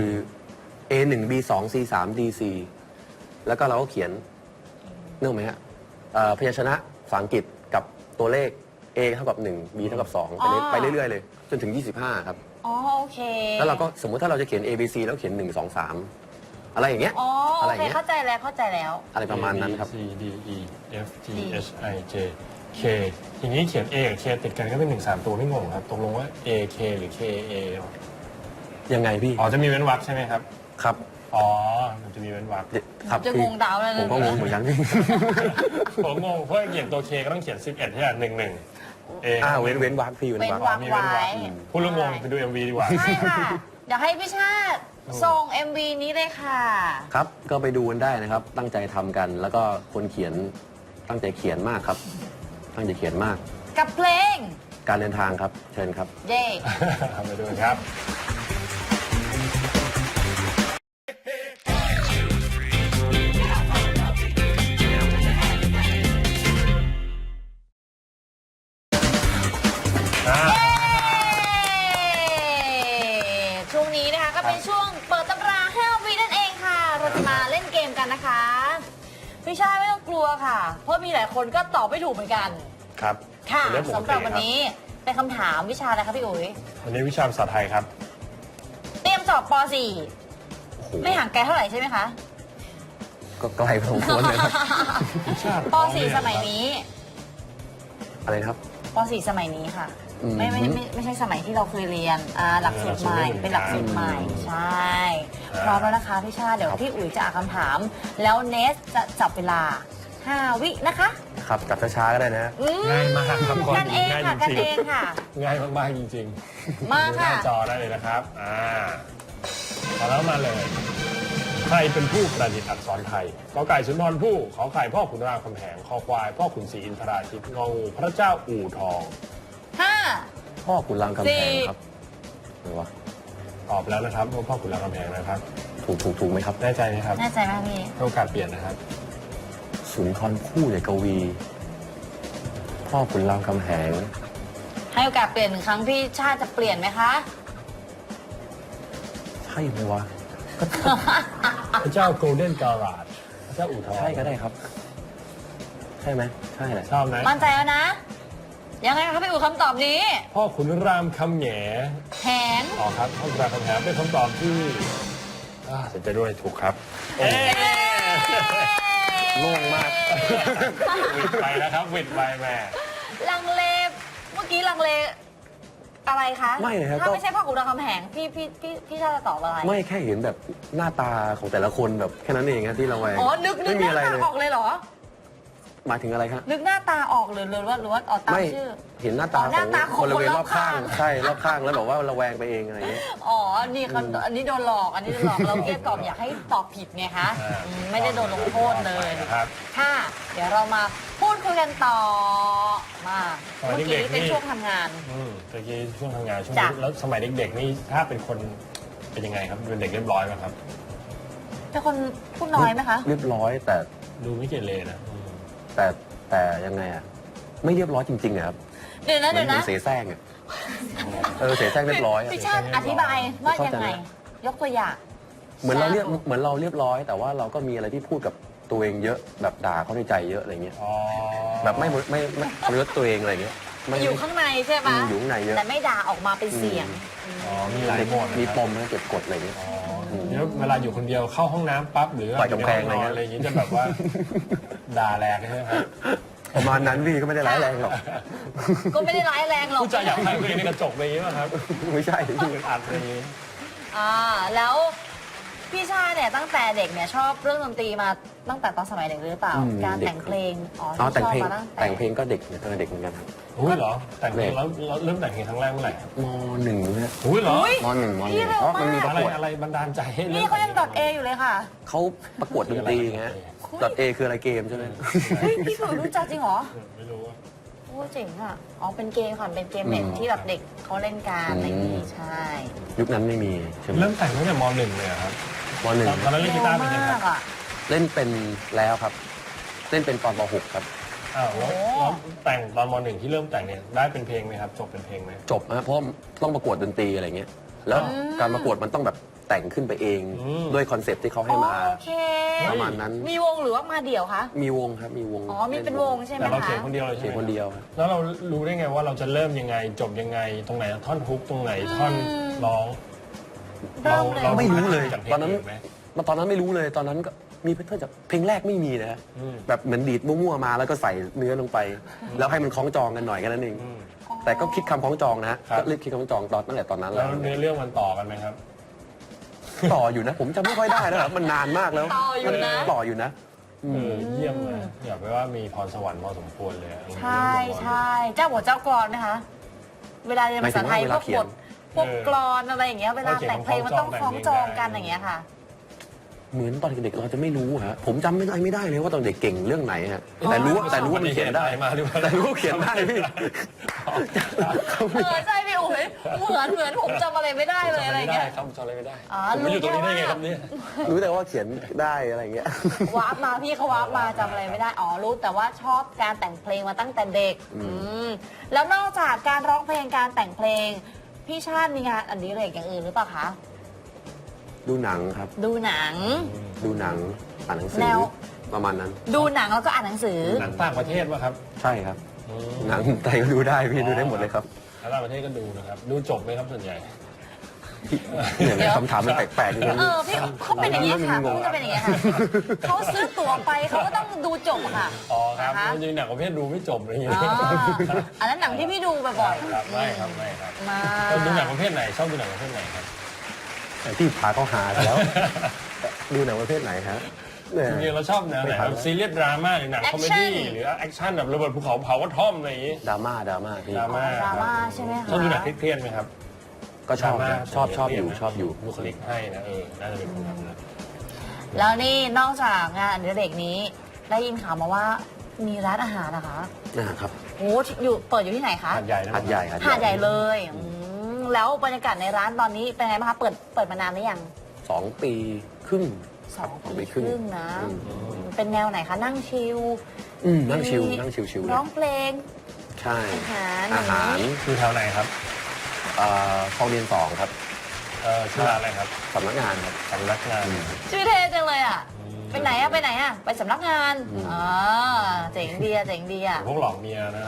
[SPEAKER 3] A หนึ่ง B สอง C สาม D สี่แล้วก็เราก็เขียนนึกออกไหมฮะเอ่อพยัญชนะภาษาอังกฤษกับตัวเลข A เท่ากับหนึ่ง B เท่ากับสองไปเรื่อยไปเรื่อยๆเลย จนถึงยี่สิบห้าครับ
[SPEAKER 1] อ๋อโอเค
[SPEAKER 3] แล้วเราก็สมมุติถ้าเราจะเขียน A B C แล้วเขียนหนึ่ง สอง สามอะไรอย่างเงี้ย
[SPEAKER 1] อ๋อ
[SPEAKER 3] อะ
[SPEAKER 1] โอ
[SPEAKER 3] ไรอ
[SPEAKER 1] เค
[SPEAKER 3] ย่างเงี้ย
[SPEAKER 1] เข้าใจแล้วเข้าใจแล้ว
[SPEAKER 3] อะไร
[SPEAKER 2] ๆ
[SPEAKER 3] ประมาณนั้นครับ
[SPEAKER 2] C D E F G H I J K อย่างนี้เขียน A กับ K ติดกันก็เป็นหนึ่งสามตัวไม่งงครับตกลงว่า A K หรือ K A
[SPEAKER 3] ยังไงพี่
[SPEAKER 2] อ๋อจะมีเว้นวรรคใช่ไหมครับ
[SPEAKER 3] ครับ
[SPEAKER 2] อ๋อมันจะมีเว้นวรรค
[SPEAKER 3] ครับ
[SPEAKER 1] จะ
[SPEAKER 3] พี่
[SPEAKER 1] งงดาวแล้วนะ
[SPEAKER 3] ผมก็งงเหมือนกันพี่
[SPEAKER 2] ผมงงเพราะเขียนตัว K ก็ต้องเขียนสิบเอ็ดใช่ไหมหนึ่งหนึ่ง A
[SPEAKER 3] อ่าเว้นเว้นวรรคพี่เว้น
[SPEAKER 1] เป็น
[SPEAKER 3] วรรค
[SPEAKER 1] วาง
[SPEAKER 2] มี
[SPEAKER 1] ไว้
[SPEAKER 2] เว้นวรรคพูดเรื่องงงไปดู เอ็ม วี ดีกว่า
[SPEAKER 1] ใช่ค่ะ เดี๋ยวให้พี่ชาติส่ง เอ็ม วี นี้เลยค่ะ
[SPEAKER 3] ครับ ก็ไปดูกันได้นะครับ ตั้งใจทำกัน แล้วก็คนเขียนตั้งใจเขียนมากครับ ตั้งใจเขียนมาก
[SPEAKER 1] กับเพลง
[SPEAKER 3] การเดินทางครับ เชิญครับ
[SPEAKER 1] เย่
[SPEAKER 2] ไปดูกันครับ อ่า
[SPEAKER 1] ช่วงนี้นะคะก็เป็นช่วงเปิดตำราให้เอาวีนั่นเองค่ะ เราจะมาเล่นเกมกันนะคะพี่ชายไม่ต้องกลัวค่ะ เพราะมีหลายคนก็ตอบไม่ถูกเหมือนกัน
[SPEAKER 2] ครับ
[SPEAKER 1] ค่ะ
[SPEAKER 2] เป็นเรื่องปก
[SPEAKER 1] สำห
[SPEAKER 2] ติ
[SPEAKER 1] รับวัน
[SPEAKER 2] ครับ
[SPEAKER 1] นี้เป็นคำถามวิชาอะไรคะพี่อุ๋ย
[SPEAKER 2] วันนี้วิชาภาษาไทยครับ
[SPEAKER 1] เตรียมสอบป .สี่
[SPEAKER 3] โอ้โห
[SPEAKER 1] ไม่ห่างไกลเท่าไหร่ใช่ไหมคะ
[SPEAKER 3] ก็ไกลพอสมควรเลยครับ
[SPEAKER 2] วิชา
[SPEAKER 1] ป .สี่ สมัยนี้
[SPEAKER 3] อะไรนะครับ
[SPEAKER 1] ป .สี่ สมัยนี้ค่ะ
[SPEAKER 3] อืม
[SPEAKER 1] ไม่ไม่ไม่ไม่ใช่สมัยที่เราเคยเรียนอ่าหลักสูตรใหม่เป็นหลักสูตรใหม่ใช่พร้อมแล้วนะคะพี่ชาติเดี๋ยวพี่อุ๋ยจะอ่านคำถาม แล้วเนสจะจับเวลาห้าวินะคะ
[SPEAKER 3] ครับจับช้าๆก็ได้นะ
[SPEAKER 1] อื
[SPEAKER 2] ง่ายมากครับข้อ
[SPEAKER 1] กันเอ
[SPEAKER 2] นี้
[SPEAKER 1] ง
[SPEAKER 2] ง่าย
[SPEAKER 1] ค่ะ
[SPEAKER 2] จ
[SPEAKER 1] กัน
[SPEAKER 2] ริง
[SPEAKER 1] เองค่ะ
[SPEAKER 2] ๆง่ายมากๆจริงๆ
[SPEAKER 1] มา
[SPEAKER 2] ดูหน้า
[SPEAKER 1] ค่ะ
[SPEAKER 2] จอได้เลยนะครับ อ่าพอแล้วมาเลย ใครเป็นผู้ประดิษฐ์อักษรไทยกอไก่สุนทรภู่ขอไข่พ่อขุนรามคำแหงคอควายพ่อขุนศรีอินทราชิตงองูพระเจ้าอู่ทอง
[SPEAKER 1] ห้า
[SPEAKER 3] พ่อขุนรามคำแหง
[SPEAKER 1] สี่
[SPEAKER 3] ครับอะไรวะ
[SPEAKER 2] ตอบแล้วนะครับว่าพ่อขุนรามคำแหงนะครับ
[SPEAKER 3] ถูกถูกถูกไหมครับ
[SPEAKER 2] แน่ใจไหมครับ
[SPEAKER 1] แน่ใจไหมพี่
[SPEAKER 2] ให้โอกาสเปลี่ยนนะครับ
[SPEAKER 3] สุนทรภู่ใหญ่กวี พ่อขุนรามคำแหง
[SPEAKER 1] ให้โอกาสเปลี่ยนหนึ่งครั้งพี่ชาติจะเปลี่ยนไหมคะ
[SPEAKER 3] ใช่ไหมวะ
[SPEAKER 2] พระเจ้าโกลเด้นการาดพระเจ้าอู่ทอง
[SPEAKER 3] ใช่ก็ได้ครับ ใช่ไหมใช่แหละ
[SPEAKER 2] ชอบไหม
[SPEAKER 1] มั่นใจแล้วนะ ยังไงคะพี่อู๋คำตอบนี้
[SPEAKER 2] พ่อขุนรามคำแหง
[SPEAKER 1] แผน
[SPEAKER 2] อ๋อครับพ่อขุนรามคำแหงเป็นคำตอบที่อ่าเสียใจด้วยถูกครับเอ๊ะ
[SPEAKER 3] โล่งมาก
[SPEAKER 2] วิดไปแล้วครับวิดไปแม่
[SPEAKER 1] ลังเลเมื่อกี้ลังเลอะไรคะ
[SPEAKER 3] ไม่เลยครับ
[SPEAKER 1] ถ้า
[SPEAKER 3] ก็
[SPEAKER 1] ไม่ใช่พ่อขุนรามคำแหงพี่พี่พี่พี่ชาจะตอบอะไร
[SPEAKER 3] ไม่แค่เห็นแบบหน้าตาของแต่ละคนแบบแค่นั้นเองนะที่เราแวง
[SPEAKER 1] อ๋อนึกนึ
[SPEAKER 3] ไม่
[SPEAKER 1] กห
[SPEAKER 3] มี
[SPEAKER 1] น้า
[SPEAKER 3] อะไร
[SPEAKER 1] ตา
[SPEAKER 3] เลย
[SPEAKER 1] ออกเลยเหรอ
[SPEAKER 3] หมายถึงอะไรครับ
[SPEAKER 1] นึกหน้าตาออกหรือหรือว่าหรือว่าออกตาม
[SPEAKER 3] ไม่
[SPEAKER 1] ชื่อ
[SPEAKER 3] เห็นหน้าตา
[SPEAKER 1] อ๋อหน้าตา
[SPEAKER 3] ของบริเวณ
[SPEAKER 1] คนร
[SPEAKER 3] ร
[SPEAKER 1] อ
[SPEAKER 3] อ
[SPEAKER 1] บบ ข้า
[SPEAKER 3] ข้าง งใช่รอบข้างแล้วแบบว่าระแวงไปเองอะไรอย่างเงี้ย
[SPEAKER 1] อ๋อ นี่เขาอันนี้โดนหลอก อันนี้โดนหลอก เราเกลี้ยกล่อมอยากให้ตอบผิดไงคะ
[SPEAKER 2] อ่า
[SPEAKER 1] อืมไม่ได้โดนลงโทษเลย
[SPEAKER 2] นะครับ
[SPEAKER 1] ค่ะ เดี๋ยวเรามาพูดคุยกันต่อ มา
[SPEAKER 2] สมัย
[SPEAKER 1] เมื่อ
[SPEAKER 2] เด็
[SPEAKER 1] กี้
[SPEAKER 2] กๆ
[SPEAKER 1] เป็น
[SPEAKER 2] นี่
[SPEAKER 1] ช่วงทำงาน
[SPEAKER 2] อืมตะกี้ช่วงทำงานช่วง
[SPEAKER 1] จ้ะ
[SPEAKER 2] แล้วสมัยเด็กๆนี่ถ้าเป็นคนเป็นยังไงครับเป็นเด็กเรียบร้อยไหมครับ
[SPEAKER 1] เป็นคนพูดน้อยไหมคะ
[SPEAKER 3] เรียบร้อยแต่
[SPEAKER 2] ดูไม่เกเรนะอืม
[SPEAKER 3] แต่แต่ยังไงอ่ะไม่เรียบร้อยจริงๆอะครับ
[SPEAKER 1] เดี๋ยวนะ
[SPEAKER 3] เหมื
[SPEAKER 1] เดี๋
[SPEAKER 3] อย น
[SPEAKER 1] ว
[SPEAKER 3] เหมือ
[SPEAKER 1] นะ
[SPEAKER 3] นเสแสร้งอ่ะเออเสแสร้งเรียบร้อยอะ
[SPEAKER 1] พี่ชาติอธิบายว่ายังไง ยกตัวอย่าง
[SPEAKER 3] เหมือนเราเรียบเหมือนเราเรียบร้อย แต่ว่าเราก็มีอะไรที่พูดกับตัวเองเยอะแบบด่าเขาในใจเยอะอะไรเงี้ย
[SPEAKER 2] อ๋อ
[SPEAKER 3] แบบไม่ไม่ไม่ไม่เลือตัวเองอะไรเงี้ยไม่
[SPEAKER 1] อยู่ข้างในใช่ไหม
[SPEAKER 3] อืมอยู่ข้างในเยอะ
[SPEAKER 1] แต่ไม่ด่าออกมาเป็นเสียง
[SPEAKER 2] อ๋อมีหลายโหมดนะครับ
[SPEAKER 3] มีปมนะเก็บกดอะไรเงี้ย
[SPEAKER 2] อ๋อเดี๋ยวเวลาอยู่คนเดียวเข้าห้องน้ำปั๊บหรือ
[SPEAKER 3] ปล่อยกำแพง
[SPEAKER 2] ยู่ในห้นอน
[SPEAKER 3] อะ
[SPEAKER 2] อะไร ไรอย่างงี้จะแบบว่า ด่าแรงใช่ไหมครับ
[SPEAKER 3] ประมาณนั้นพี่ก็ไม่ได้ร้ายแรงหรอก
[SPEAKER 1] ก็ไม่ได้ร้ายแรงหรอก
[SPEAKER 2] ผู้ชายอยากใครตัวเองในกระจกอะไรอย่างงี้ป่ะครับ
[SPEAKER 3] ไม่ใช่
[SPEAKER 2] ดูเป็นอัดอะไรอย่างงี้
[SPEAKER 1] อ่าแล้วพี่ชาเนี่ยตั้งแต่เด็กเนี่ยชอบเรื่องดนตรีมาตั้งแต่ตอนสมัยเด็กหรือเปล่า
[SPEAKER 3] อืม
[SPEAKER 1] การ
[SPEAKER 3] เด็ก
[SPEAKER 1] แต่งเพลงอ๋อ
[SPEAKER 3] อ๋อแต่ง
[SPEAKER 1] ชอบ
[SPEAKER 3] เพลง
[SPEAKER 1] มาตั้งแต่
[SPEAKER 3] แต่งเพลงก็เด็กเนี่ยตั้งแต่เด็กเหมือนกันครับ
[SPEAKER 2] อุ้ยเหรอ แต่งเพลงแล้วแล้วเริ่มแต่งเพลงครั้งแรกเมื่อไหร่ครับ
[SPEAKER 3] มหนึ่งเนี่ย
[SPEAKER 2] อุ้ยเหรอ
[SPEAKER 1] อุ๊ย
[SPEAKER 3] มหนึ่งมห
[SPEAKER 1] พี่
[SPEAKER 3] นึ่ง
[SPEAKER 1] เร็ว
[SPEAKER 3] เพราะมันมีป
[SPEAKER 1] มาก
[SPEAKER 3] ระ
[SPEAKER 2] อะไร
[SPEAKER 3] กวด
[SPEAKER 2] อะไรบันดาลใจให้ริ่ม
[SPEAKER 1] นี่เขายังดอทเออยู่เลยค่ะ
[SPEAKER 3] เขาประกวดดนตรีไงดอทเอคืออะไรเกมใช่ไหม
[SPEAKER 1] เฮ้ยพี่สุรู้จักจริงเหรอ
[SPEAKER 2] ไม่รู้อะ
[SPEAKER 1] โอ้เจ๋งอ่ะอ๋อเป็นเกมค่ะเป็นเกมเน็ต
[SPEAKER 3] อืม
[SPEAKER 1] ที่แบบเด็กเขาเล่นกันอะไรอย่างงี้ใช่
[SPEAKER 3] ยุคนั้นไม่มีใช่ไหม
[SPEAKER 2] เริ่มแต่งตั้งแต่มหนึ่งเลยเหรอครับ
[SPEAKER 3] มหนึ่ง
[SPEAKER 2] ตอนนั้นเล่นกีตาร์เป็นยังไง
[SPEAKER 1] เร็ว
[SPEAKER 2] ครับ
[SPEAKER 1] มากอ่ะ
[SPEAKER 3] เล่นเป็นแล้วครับ เล่นเป็นตอนป .หก ครับ
[SPEAKER 2] อ้าวแล้ว
[SPEAKER 1] โอ้
[SPEAKER 2] แล้วแต่งตอนมหนึ่งที่เริ่มแต่งเนี่ยได้เป็นเพลงไหมครับ จบเป็นเพลงไหม
[SPEAKER 3] จบนะเพราะต้องประกวดดนตรีอะไรเงี้ย แล้วการประกวดมันต้องแบบแต่งขึ้นไปเอง
[SPEAKER 2] อืม
[SPEAKER 3] ด้วยคอนเซ็ปต์ที่เขาให้มา
[SPEAKER 1] โอเค
[SPEAKER 3] ประมาณนั้น
[SPEAKER 1] มีวงหรือว่ามาเดี่ยวคะ
[SPEAKER 3] มีวงครับ มีวง
[SPEAKER 1] อ๋อมีเป็นวงใช่ไหม
[SPEAKER 2] แต่เรา
[SPEAKER 1] คะ
[SPEAKER 2] เขียนคนเดียวเลย
[SPEAKER 3] เขี
[SPEAKER 2] ใช่
[SPEAKER 3] ยน
[SPEAKER 2] ไหม
[SPEAKER 3] คนเดียวครับ
[SPEAKER 2] แล้วเรารู้ได้ไงว่าเราจะเริ่มยังไงจบยังไงตรงไหนท่อนฮุกตรงไหนท่อนร้อง
[SPEAKER 1] เริ่มเลย
[SPEAKER 2] เรา
[SPEAKER 3] ไม่รู้เลย
[SPEAKER 2] จากเพลง
[SPEAKER 3] ตอนนั้น
[SPEAKER 2] ไหม
[SPEAKER 3] มาตอนนั้นไม่รู้เลย ตอนนั้นก็มีเพื่อนจากเพลงแรกไม่มีนะฮะ
[SPEAKER 2] อืม
[SPEAKER 3] แบบเหมือนดีดมั่วๆมาแล้วก็ใส่เนื้อลงไป แล้วให้มันคล้องจองกันหน่อยแค่นั้นเอง
[SPEAKER 2] อืม
[SPEAKER 3] แต่ก็คิดคำคล้องจองนะฮะ
[SPEAKER 2] ครับ
[SPEAKER 3] ก็รีบคิดคำคล้องจองตอนตั้งแต่ตอนนั้น
[SPEAKER 2] แล้
[SPEAKER 3] แล้ว ว
[SPEAKER 2] เนื้อเรื่องมันต่อกันไหมครับ
[SPEAKER 3] ต่ออยู่นะ ผมจำไม่ค่อยได้แล้วครับมันนานมากแล้ว
[SPEAKER 1] ต่ออยู่นะ
[SPEAKER 3] มันต่ออยู่นะอื
[SPEAKER 2] เอ
[SPEAKER 3] ม
[SPEAKER 2] อเยี่ยมเลยอยากไปว่ามีพรสวรรค์พอสมควรเลยอะ
[SPEAKER 1] ใช่ใช่เจ้าหัวเจ้ากรอนนะคะ เวลาเรียนภาษาไทย
[SPEAKER 3] ห
[SPEAKER 1] พ
[SPEAKER 3] มาย
[SPEAKER 1] วก
[SPEAKER 3] ถึง
[SPEAKER 1] บ
[SPEAKER 3] ว่า
[SPEAKER 1] ท
[SPEAKER 3] เวลาเขียน
[SPEAKER 1] พวกกรอนอะไรอย่างเงี้ยเวลาแต่งเพลงมันต้องคล้องจองกันอย่างเงี้ยค่ะ
[SPEAKER 3] เหมือนตอนเด็กๆเราจะไม่รู้ฮะผมจำไม่ได้ไม่ได้เลยว่าตอนเด็กเก่งเรื่องไหนฮะแต่รู้ว่าแต่รู้ว่ามันเขียนได้
[SPEAKER 2] มาหรือเปล่า
[SPEAKER 3] แต่รู้ว่าเขียนได้พี่
[SPEAKER 1] เออใช่พี่อุ๋ยเหมือนเหมือนผมจำอะไรไม่ได้เลยอะไร
[SPEAKER 2] ไม่ได้
[SPEAKER 1] เงี้ย
[SPEAKER 2] ครับจำอะไรไม่ได้
[SPEAKER 1] อ๋อ
[SPEAKER 2] ผมมาอยู่ตรงนี้ได้ไง
[SPEAKER 1] รู้แค่ว่า
[SPEAKER 2] ครับเนี่ย
[SPEAKER 3] รู้แต่ว่าเขียนได้อะไรอย่างเงี้ย
[SPEAKER 1] วาร์ปมาพี่เขาวาร์ปมาจำอะไรไม่ได้อ๋อรู้แต่ว่าชอบการแต่งเพลงมาตั้งแต่เด็ก
[SPEAKER 3] อืม
[SPEAKER 1] อืมแล้วนอกจากการร้องเพลงการแต่งเพลง พี่ชาติมีงานอันนี้อะไรอย่างอื่นหรือเปล่าคะ
[SPEAKER 3] ดูหนังครับ
[SPEAKER 1] ดูหนัง
[SPEAKER 3] ดูหนังอ่านหนังสื
[SPEAKER 1] แน
[SPEAKER 3] อ
[SPEAKER 1] ว
[SPEAKER 3] ประมาณนั้น
[SPEAKER 1] ดูหนังแล้วก็อ่านหนังสือ
[SPEAKER 2] หนังต่างประเทศป่ะครับ
[SPEAKER 3] ใช่ครับ
[SPEAKER 2] อืม
[SPEAKER 3] หนังไทยก็ดูได้พี่ดูได้หมดเลยครับ
[SPEAKER 2] แล้วต่างประเทศก็ดูนะครับ ดูจบไหมครับส่วนใหญ่
[SPEAKER 3] เนี่ย
[SPEAKER 1] เดี๋ยว
[SPEAKER 3] คำถามมันแปลกๆอย่าง
[SPEAKER 1] เอ
[SPEAKER 3] นี้
[SPEAKER 1] อพี่เขาเป็นอย่างนี้ยค่ะ
[SPEAKER 3] งง
[SPEAKER 1] เขาจะเป็นอย่างนี้ยค่ะเขาซื้อตั๋วไปเขาก็ต้องดูจบค่ะ
[SPEAKER 2] อ๋อครับ
[SPEAKER 1] นะคะ
[SPEAKER 2] จริงๆหนังประเภทดูไม่จบอะไรอย่างเงี้
[SPEAKER 1] อ๋
[SPEAKER 2] ย
[SPEAKER 1] ออันนั้นหนังที่พี่ดูบ่อย
[SPEAKER 2] ครับไม่ครับไม่ครับ
[SPEAKER 1] ๆมา
[SPEAKER 2] ดูหนังประเภทไหนชอบดูหนังประเภทไหนครับ
[SPEAKER 3] แต่ที่พาเขาหาแล้ว ดูหนังประเภทไหนฮะเนี่ย
[SPEAKER 2] จริงๆเราชอบแนวไหนครับซีเรียสดราม่าหรือหนังคอมเมดี้หรือแอคชั่นแบบระเบิดภูเขาเผากระท่อมอะไรอย่างงี้
[SPEAKER 3] ดราม่าดราม่าพี่
[SPEAKER 2] ดราม่า
[SPEAKER 1] ดราม่าใช่ไหมคะ
[SPEAKER 2] ชอบดูหนังเครียดๆไหมครับ
[SPEAKER 3] ก็ชอบ
[SPEAKER 2] ดราม่า
[SPEAKER 3] นะชอบชอบอยู่ชอบอยู่
[SPEAKER 2] บุคลิกให้นะเออน่าจะเป็นคนนั้นนะ
[SPEAKER 1] แล้วนี่นอกจากงานอดิเรกนี้ ได้ยินข่าวมาว่ามีร้านอาหารนะคะ
[SPEAKER 3] นะครับ
[SPEAKER 1] โอ้อยู่เปิดอยู่ที่ไหนคะ
[SPEAKER 2] หาดใหญ่นะ
[SPEAKER 3] หัดใหญ่
[SPEAKER 1] หาดใหญ่เลยอืมแล้วบรรยากาศในร้านตอนนี้เป็นไงบ้างคะเปิดเปิดมานานหรือยัง
[SPEAKER 3] สองปีครึ่ง
[SPEAKER 1] สอง
[SPEAKER 3] สองปี
[SPEAKER 1] ปี
[SPEAKER 3] ค
[SPEAKER 1] ค
[SPEAKER 3] รึ่
[SPEAKER 1] รึ่
[SPEAKER 3] ง
[SPEAKER 1] งนะ
[SPEAKER 3] อืม
[SPEAKER 1] อืมเป็นแนวไหนคะนั่งชิล
[SPEAKER 3] อืมนั่งชิวนั่งชิวชิวๆเล
[SPEAKER 1] ร้อย งเพลง
[SPEAKER 3] ใช่
[SPEAKER 1] อาหาร
[SPEAKER 3] อาหาร
[SPEAKER 2] คือแถวไหนครับ
[SPEAKER 3] เอ่อคลองเรียนสองครับ
[SPEAKER 2] อเออชื่อร้านอะไรครับ
[SPEAKER 3] สำนักงานครับ
[SPEAKER 2] สำนักงาน
[SPEAKER 1] ชื่อเท่จังเลยอ่ะไปไหนอ่ะไปไหนอ่ะไปสำนักงานอ๋อเจ๋งดีอ่ะเจ๋งดีอ่ะ
[SPEAKER 2] พวกหลอกเมียนะ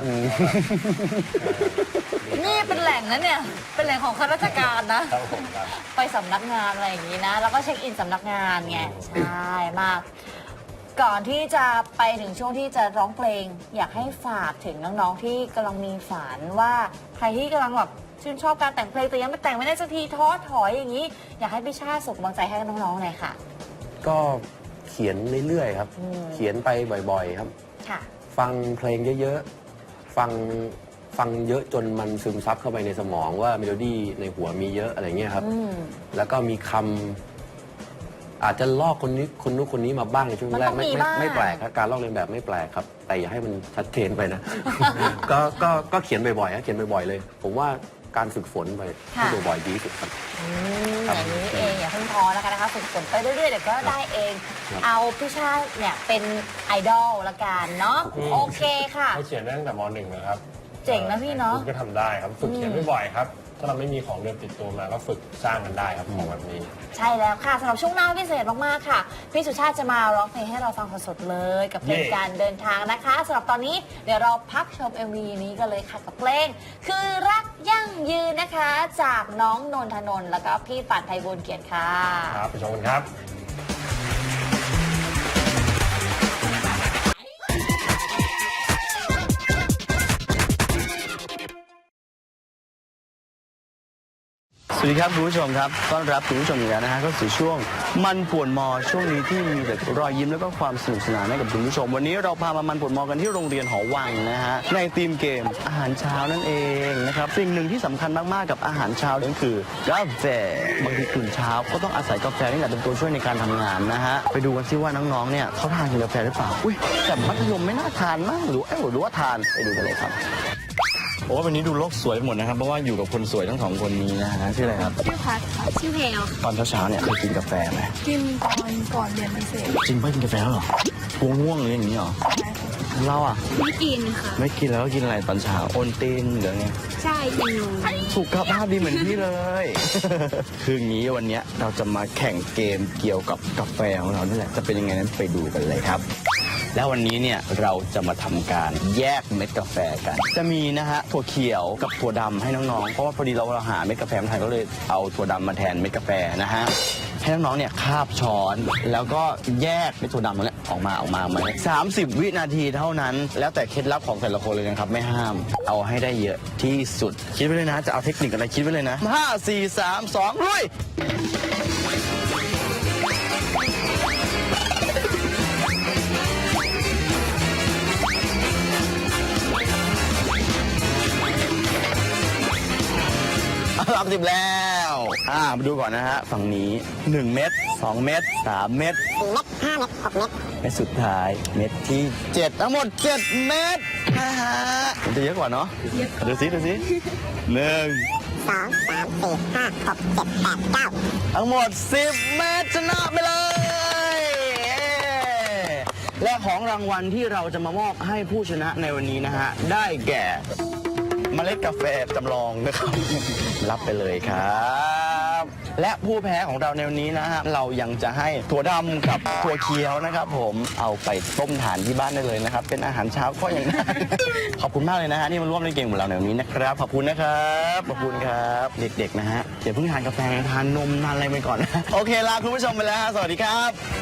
[SPEAKER 1] นี่เป็นแหล่งนะเนี่ยเป็นแหล่งของข้าราชการนะ
[SPEAKER 2] ครับผมครับ
[SPEAKER 1] ไปสำนักงานอะไรอย่างนี้นะ แล้วก็เช็คอินสำนักงานไงใช่มาก ก่อนที่จะไปถึงช่วงที่จะร้องเพลง อยากให้ฝากถึงน้องๆที่กำลังมีฝันว่าใครที่กำลังแบบชื่นชอบการแต่งเพลงแต่ยังไม่แต่งไม่ได้สักทีท้อถอยอย่างนี้ อยากให้พี่ชาติส่งกำลังใจให้น้องๆหน่อยค่ะ
[SPEAKER 3] ก็เขียนเรื่อยๆครับ
[SPEAKER 1] อืม
[SPEAKER 3] เขียนไปบ่อยๆครับ
[SPEAKER 1] ค่ะ ฟั
[SPEAKER 3] ฟังเพลงเยอะๆ ฟังฟังเยอะจนมันซึมซับเข้าไปในสมองว่าเมโลดี้ในหัวมีเยอะอะไรเงี้ยครับ
[SPEAKER 1] อืม
[SPEAKER 3] แล้วก็มีคำอาจจะลอกคนนี้คนนู้นคนนี้มาบ้างในช่วง
[SPEAKER 1] มัน
[SPEAKER 3] แร
[SPEAKER 1] ต้
[SPEAKER 3] ก
[SPEAKER 1] อง
[SPEAKER 3] ไม่
[SPEAKER 1] มี
[SPEAKER 3] ไม่
[SPEAKER 1] บ้าง
[SPEAKER 3] ไม่แปลกครับการลอกเลียนแบบไม่แปลกครับ แต่อย่าให้มันชัดเจนไปนะ ก็ก็ก็เขียนบ่อยๆครับเขียนบ่อยๆเลย ผมว่าการฝึกฝนไปที่บ่อยๆดีที่สุดครับ
[SPEAKER 1] อืม
[SPEAKER 3] ครับ
[SPEAKER 1] อย่างนี้เองอย่าเพิ่งท้อนะคะนะคะฝึกฝนไปเรื่อยๆเดี๋ยวก็ได้เอง
[SPEAKER 3] ครับ
[SPEAKER 1] เอาพี่ชาติเนี่ยเป็นไอดอลละกันเนาะ
[SPEAKER 2] อืม
[SPEAKER 1] โอเคค่ะ
[SPEAKER 2] เขาเขียนได้ตั้งแต่มหนึ่งนะครับ
[SPEAKER 1] เจ๋งนะพี่เนอะ
[SPEAKER 2] คุณก็ทำได้ครับ ฝึกเขียนบ่อยๆครับ ถ้าเราไม่มีของเดิมติดตัวมาก็ฝึกสร้างกันได้ครับของแบบนี้
[SPEAKER 1] ใช่แล้วค่ะสำหรับช่วงหน้าพิเศษมากๆค่ะ พี่สุชาติจะมาร้องเพลงให้เราฟังสดๆเลย กับเพลง
[SPEAKER 2] เย่
[SPEAKER 1] การเดินทางนะคะสำหรับตอนนี้เดี๋ยวเราพักชม เอ็ม วี นี้กันเลยค่ะกับเพลง คือรักยั่งยืนนะคะ จากน้องนนทนนท์แล้วก็พี่ปัดไทยบุญเกียรติค่ะ
[SPEAKER 2] ครับไปชมกันครับ
[SPEAKER 4] สวัสดีครับคุณผู้ชมครับต้อนรับคุณผู้ชมอีกแล้วนะฮะเข้าสู่ช่วงมันป่วนมอช่วงนี้ที่มีแต่รอยยิ้มแล้วก็ความสนุกสนานให้กับคุณผู้ชม วันนี้เราพามามันป่วนมอกันที่โรงเรียนหอวังนะฮะในธีมเกมอาหารเช้านั่นเองนะครับสิ่งหนึ่งที่สำคัญมากๆกับอาหารเช้านั่นคือกาแฟบางทีตื่นเช้าก็ต้องอาศัยกาแฟนี่แหละเป็นตัวช่วยในการทำงานนะฮะไปดูกันซิว่าน้องๆเนี่ยเขาทานกินกาแฟหรือเปล่าอุ้ยแต่มัธยมไม่น่าทานมั้งหรือเอ้ยหรือว่าทานไปดูกันเลยครับโอ้วันนี้ดูโลกสวยไปหมดนะครับเพราะว่าอยู่กับคนสวยทั้งสองคนนี้นะฮะชื่ออะไรครับ
[SPEAKER 5] ชื่อพัดค่ะชื่อเพลค่ะ
[SPEAKER 4] ตอนเช้าๆเนี่ยเคยกินกาแฟไหม
[SPEAKER 5] กินตอนก่อนเรียนพิเศษ
[SPEAKER 4] จริงป่ะกินกาแฟแล้วเหรอง่วงง่วงหรืออย่างนี้เหรอ
[SPEAKER 5] ใช่ค่ะ
[SPEAKER 4] เราอ่ะ
[SPEAKER 5] ไม่กินค่ะ
[SPEAKER 4] ไม่กินแล้วก็กินอะไรตอนเช้าโอนตีนหรือไง
[SPEAKER 5] ใช่กินนม
[SPEAKER 4] สุขภาพดีเหมือนพี่เลย คืออย่างนี้วันเนี้ยเราจะมาแข่งเกมเกี่ยวกับกาแฟของเรานี่แหละจะเป็นยังไงนั้นไปดูกันเลยครับ แล้ววันนี้เนี่ยเราจะมาทำการแยกเม็ดกาแฟกัน จะมีนะฮะถั่วเขียวกับถั่วดำให้น้องๆเพราะว่าพอดีเราเราหาเม็ดกาแฟไม่ทันก็เลยเอาถั่วดำมาแทนเม็ดกาแฟนะฮะให้น้องๆเนี่ยคาบช้อนแล้วก็แยกเม็ดถั่วดำตรงเนี้ยออกมาออกมามาสามสิบวินาทีเท่านั้น แล้วแต่เคล็ดลับของแต่ละคนเลยนะครับไม่ห้ามเอาให้ได้เยอะที่สุดคิดไว้เลยนะจะเอาเทคนิคอะไรคิดไว้เลยนะห้าสี่สามสองลุย สามสิบแล้ว อ่า มาดูก่อนนะฮะ ฝั่งนี้หนึ่งเม็ดสองเม็ดสามเม็ดสี่เม็ดห้าเม็ดหกเม็ดเม็ดสุดท้าย เม็ดที่เจ็ดทั้งหมดเจ็ดเม็ดนะฮะมันจะเยอะกว่าเนาะดูสิดูสิหนึ่งสองสามสี่ห้าหกเจ็ดแปดเก้าทั้งหมดสิบเม็ดชนะไปเลยเย้และของรางวัลที่เราจะมามอบให้ผู้ชนะในวันนี้นะฮะ ได้แก่ เมล็ดกาแฟจำลองนะครับ รับไปเลยครับ และผู้แพ้ของเราในวันนี้นะฮะเรายังจะให้ถั่วดำกับถั่วเขียวนะครับ ผมเอาไปต้มทานที่บ้านได้เลยนะครับ เป็นอาหารเช้าก็ยังได้ ขอบคุณมากเลยนะฮะที่มาร่วมเล่นเกมของเราในวันนี้นะครับขอบคุณนะครับขอบคุณครับเด็กๆนะฮะอย่าเพิ่งทานกาแฟทานนมทานอะไรไปก่อนนะโอเคลาคุณผู้ชมไปแล้วฮะสวัสดีครับ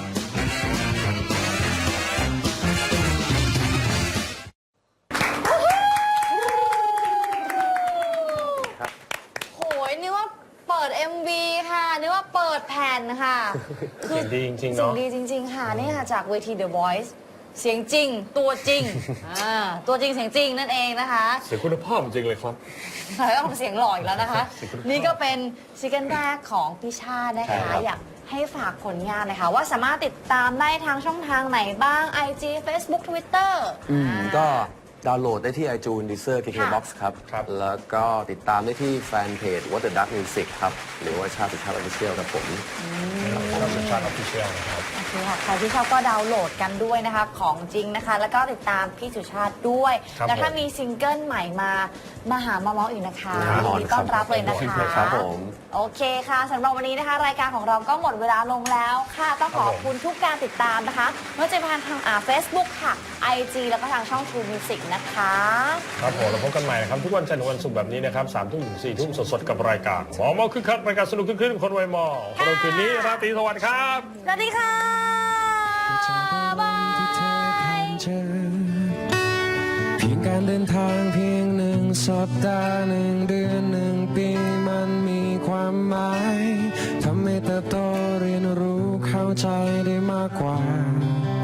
[SPEAKER 1] โหยนึกว่าเปิด เอ็ม วี ค่ะนึกว่าเปิดแผ่นค่ะ
[SPEAKER 2] เสียงดีจริงๆ
[SPEAKER 1] เสียง
[SPEAKER 2] เนาะ
[SPEAKER 1] ดีจริง ๆ ค่ะนี่ค่ะจากเวที The Voice เสียงจริง ตัวจริงอ่าตัวจริงเสียงจริงนั่นเองนะคะ
[SPEAKER 2] เสียงคุณภาพจริงเลยครับ
[SPEAKER 1] แล้วก็เสียงหล่ออีกแล้วนะคะ
[SPEAKER 2] เสียงคุณภาพ
[SPEAKER 1] นี่ก็เป็นซิงเกิลแรกของพี่ชาตินะ
[SPEAKER 2] ใช่
[SPEAKER 1] คะ
[SPEAKER 2] ครับ
[SPEAKER 1] อยากให้ฝากผลงานหนะคะว่าสามารถติดตามได้ทางช่องทางไหนบ้าง ไอ จี Facebook Twitter
[SPEAKER 3] อืมก็ดาวน์โหลดได้ที่ iTunes Deezer เค เค
[SPEAKER 1] ค่ะ
[SPEAKER 3] บ็อกซ์ ครับ
[SPEAKER 2] ครับ
[SPEAKER 3] แล้วก็ติดตามได้ที่แฟนเพจ What the Duck Music ครับ หรือว่าชาติสุชาติ Official ครับผม
[SPEAKER 2] ครับสุชาติออฟฟิเชียลนะครับ
[SPEAKER 1] โอเคค่ะใครที่ชอบก็ดาวน์โหลดกันด้วยนะคะ ของจริงนะคะ แล้วก็ติดตามพี่สุชาติด้วย
[SPEAKER 2] ครับ
[SPEAKER 1] แล้วถ้า
[SPEAKER 2] ผม
[SPEAKER 1] มีซิงเกิลใหม่มามาหามาเมาส์อีกนะคะ
[SPEAKER 3] แน่นอน
[SPEAKER 1] ยินดีต้อนรับเลยนะคะ
[SPEAKER 3] ครับผม
[SPEAKER 1] โอเคค่ะสำหรับวันนี้นะคะ รายการของเราก็หมดเวลาลงแล้วค่ะต้องขอบคุณทุกการติดตามนะคะไม่ว่าจะเป็นทางอ่า Facebook ค่ะ ไอ จี แล้วก็ทางช่อง True Music นะคะ
[SPEAKER 2] ครับผมเราพบกันใหม่นะครับ ทุกวันจันทร์ถึงวันศุกร์แบบนี้นะครับสามทุ่มถึงสี่ทุ่มสดๆ กับรายการหมอเมาคึกคักรายการสนุกขึ้นๆคนวัยมอสำหรับคืนนี้ราตรีสวัสดิ์ครับ
[SPEAKER 1] สวัสดีค่ะบาย
[SPEAKER 6] เพียงการเดินทางเพียงหนึ่งสัปดาห์หนึ่งเดือนหนึ่งปีมันมีความหมายทำให้เติบโตเรียนรู้เข้าใจได้มากกว่า